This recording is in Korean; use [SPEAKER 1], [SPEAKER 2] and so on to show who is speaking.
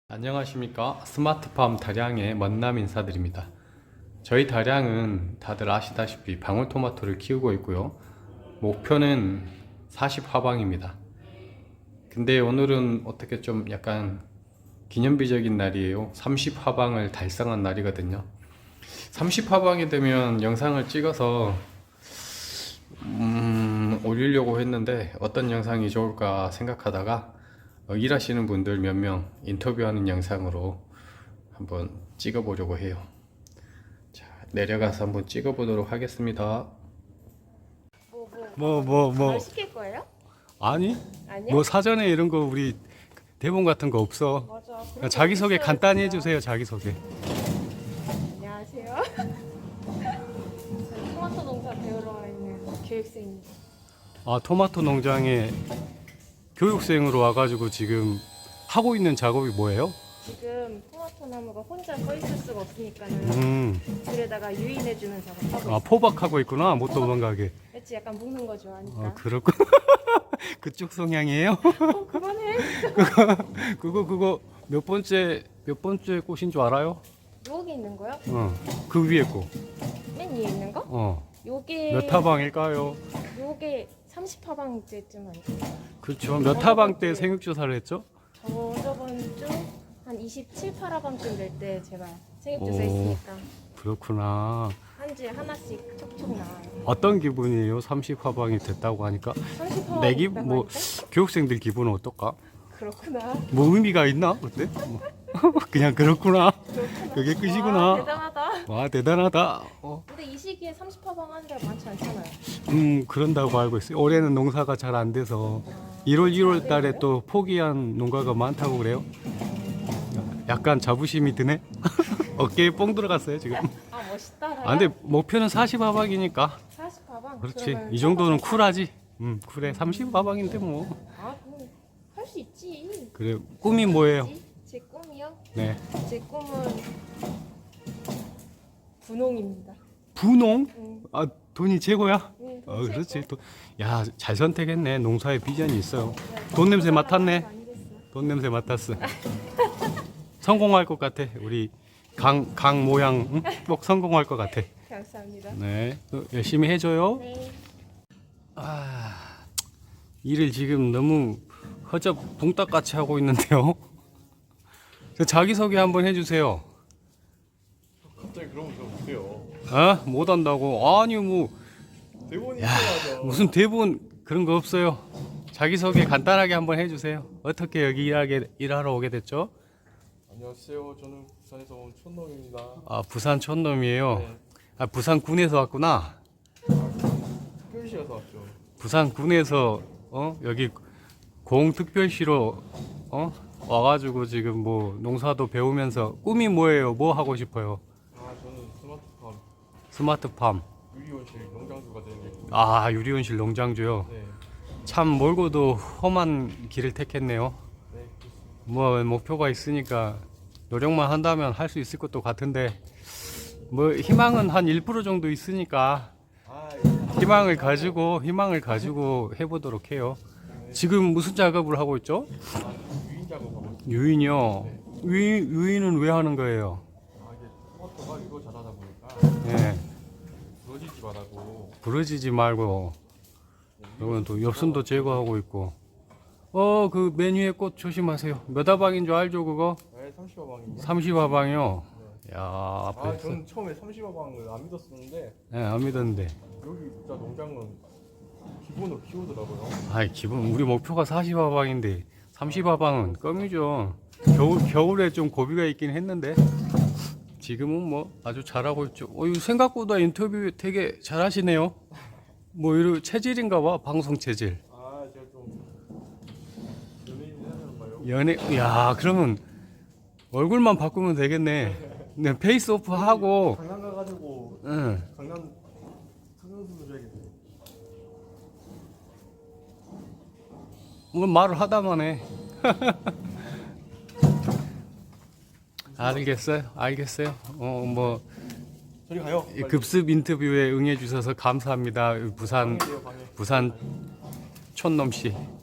[SPEAKER 1] 안녕하십니까. 스마트팜 다량의 먼남 인사드립니다. 저희 다량은 다들 아시다시피 방울토마토를 키우고 있고요. 목표는 40화방입니다. 근데 오늘은 어떻게 좀 약간 기념비적인 날이에요. 30화방을 달성한 날이거든요. 30화방이 되면 영상을 찍어서 올리려고 했는데 어떤 영상이 좋을까 생각하다가 일하시는 분들 몇 명 인터뷰하는 영상으로 한번 찍어 보려고 해요. 자, 내려가서 한번 찍어 보도록 하겠습니다.
[SPEAKER 2] 뭘 시킬 거예요?
[SPEAKER 1] 아니?
[SPEAKER 2] 아니요?
[SPEAKER 1] 뭐 사전에 이런 거 우리 대본 같은 거 없어.
[SPEAKER 2] 맞아.
[SPEAKER 1] 그냥 자기소개 간단히 해주세요. 자기소개.
[SPEAKER 2] 안녕하세요. 저희 토마토 농사 배우러 와 있는 교육생입니다.
[SPEAKER 1] 아, 토마토 농장에 교육생으로 와가지고 지금 하고 있는 작업이 뭐예요?
[SPEAKER 2] 지금 토마토 나무가 혼자 서 있을 수가 없으니까는 들에다가 유인해주는 작업 하고
[SPEAKER 1] 아, 포박하고 있구나. 못 도망가게.
[SPEAKER 2] 있지. 약간 묶는 거 좋아하니까.
[SPEAKER 1] 아, 그렇군. 그쪽 성향이에요?
[SPEAKER 2] 그만해.
[SPEAKER 1] 그거 몇 번째 꽃인 줄 알아요?
[SPEAKER 2] 여기 있는 거요?
[SPEAKER 1] 그 위에 꽃.
[SPEAKER 2] 맨 위에 있는 거? 요게
[SPEAKER 1] 몇 타방일까요?
[SPEAKER 2] 요게 30화방째쯤 아닐까요?
[SPEAKER 1] 그렇죠. 몇 타방 때 생육조사를 했죠?
[SPEAKER 2] 저번 주 한 27, 8화방쯤 될 때 제가 생육조사
[SPEAKER 1] 오.
[SPEAKER 2] 했으니까
[SPEAKER 1] 그렇구나.
[SPEAKER 2] 한 주에 하나씩 촉촉 나와요.
[SPEAKER 1] 어떤 기분이에요? 30화방이 됐다고 하니까.
[SPEAKER 2] 30화방
[SPEAKER 1] 내 기분, 뭐 교육생들 기분은 어떨까?
[SPEAKER 2] 그렇구나.
[SPEAKER 1] 뭐 의미가 있나? 어때? 뭐. 그냥 그렇구나. 그게
[SPEAKER 2] 와,
[SPEAKER 1] 끝이구나.
[SPEAKER 2] 대단하다.
[SPEAKER 1] 와, 대단하다.
[SPEAKER 2] 근데 이 시기에 30화방 하는 데가 많지 않잖아요.
[SPEAKER 1] 그런다고 알고 있어요. 올해는 농사가 잘 안 돼서 1월, 2월 달에 또 포기한 농가가 많다고 그래요. 약간 자부심이 드네. 어깨에 뽕 들어갔어요 지금.
[SPEAKER 2] 아 멋있다.
[SPEAKER 1] 아, 근데 목표는 40화방이니까
[SPEAKER 2] 40화방.
[SPEAKER 1] 그렇지. 이 정도는 쿨하지. 쿨해. 30화방인데 뭐.
[SPEAKER 2] 아 그럼 할 수 있지.
[SPEAKER 1] 그래. 꿈이 뭐예요?
[SPEAKER 2] 제 꿈이요?
[SPEAKER 1] 네.
[SPEAKER 2] 제 꿈은 분홍입니다.
[SPEAKER 1] 분홍?
[SPEAKER 2] 응.
[SPEAKER 1] 아, 돈이 최고야?
[SPEAKER 2] 응,
[SPEAKER 1] 그렇지. 야, 잘 선택했네. 농사에 비전이 있어요. 돈 냄새 맡았네. 돈 냄새 맡았어. 성공할 것 같아. 우리 강 모양 꼭 성공할 것 같아.
[SPEAKER 2] 감사합니다.
[SPEAKER 1] 네, 또 열심히 해줘요.
[SPEAKER 2] 네.
[SPEAKER 1] 아, 일을 지금 너무 허접 붕딱같이 하고 있는데요. 저 자기소개 한번 해주세요.
[SPEAKER 3] 갑자기 그러면 저 못해요.
[SPEAKER 1] 아, 못한다고? 아니 뭐
[SPEAKER 3] 대본이
[SPEAKER 1] 야,
[SPEAKER 3] 있어야죠.
[SPEAKER 1] 무슨 대본 그런 거 없어요. 자기소개 간단하게 한번 해주세요. 어떻게 여기 일하러 오게 됐죠?
[SPEAKER 3] 안녕하세요. 저는 부산에서 온 촌놈입니다.
[SPEAKER 1] 아, 부산 촌놈이에요.
[SPEAKER 3] 네.
[SPEAKER 1] 아, 부산 군에서 왔구나.
[SPEAKER 3] 특별시에서 왔죠.
[SPEAKER 1] 부산 군에서 여기 공특별시로 와가지고 지금 뭐 농사도 배우면서 꿈이 뭐예요? 뭐 하고 싶어요?
[SPEAKER 3] 아, 저는 스마트팜
[SPEAKER 1] 스마트팜.
[SPEAKER 3] 유리온실 농장주가 되는 게 꿈이에요.
[SPEAKER 1] 아, 유리온실 농장주요.
[SPEAKER 3] 네.
[SPEAKER 1] 참 멀고도 험한 길을 택했네요.
[SPEAKER 3] 네. 그렇습니다.
[SPEAKER 1] 뭐 목표가 있으니까 노력만 한다면 할 수 있을 것도 같은데 뭐 희망은 한 1% 정도 있으니까
[SPEAKER 3] 아,
[SPEAKER 1] 희망을 가지고 해보도록 해요. 지금 무슨 작업을 하고 있죠?
[SPEAKER 3] 유인 작업하고 있어요.
[SPEAKER 1] 유인이요. 유인은 왜 하는 거예요?
[SPEAKER 3] 아, 이게 토마토가 이거 자라다 보니까
[SPEAKER 1] 네,
[SPEAKER 3] 부러지지 말라고.
[SPEAKER 1] 부러지지 말고 이건 또 엽순도 제거하고 있고. 그 메뉴에 꽃 조심하세요. 몇 화방인 줄 알죠 그거?
[SPEAKER 3] 네, 30화방입니다.
[SPEAKER 1] 30화방이요. 야,
[SPEAKER 3] 아,
[SPEAKER 1] 앞에
[SPEAKER 3] 저는 처음에 30화방을 안 믿었었는데
[SPEAKER 1] 네, 안 믿었는데.
[SPEAKER 3] 여기 진짜 농장은 기본으로 키우더라고요.
[SPEAKER 1] 아이, 기본 우리 목표가 40화방인데 30화방은 껌이죠. 겨울에 좀 고비가 있긴 했는데 지금은 뭐 아주 잘하고 있죠. 이거 생각보다 인터뷰 되게 잘하시네요. 뭐 이런 체질인가 봐. 방송 체질.
[SPEAKER 3] 아, 제가 좀 연예인 하는 봐요.
[SPEAKER 1] 야, 그러면 얼굴만 바꾸면 되겠네. 네, 페이스오프 하고.
[SPEAKER 3] 강남 가가지고
[SPEAKER 1] 응.
[SPEAKER 3] 강남 성형수술 줘야겠네.
[SPEAKER 1] 뭐 말을 하다만 해. 알겠어요. 뭐
[SPEAKER 3] 저리 가요.
[SPEAKER 1] 이 급습 인터뷰에 응해 주셔서 감사합니다. 부산
[SPEAKER 3] 방해돼요, 방해.
[SPEAKER 1] 부산 촌놈 씨.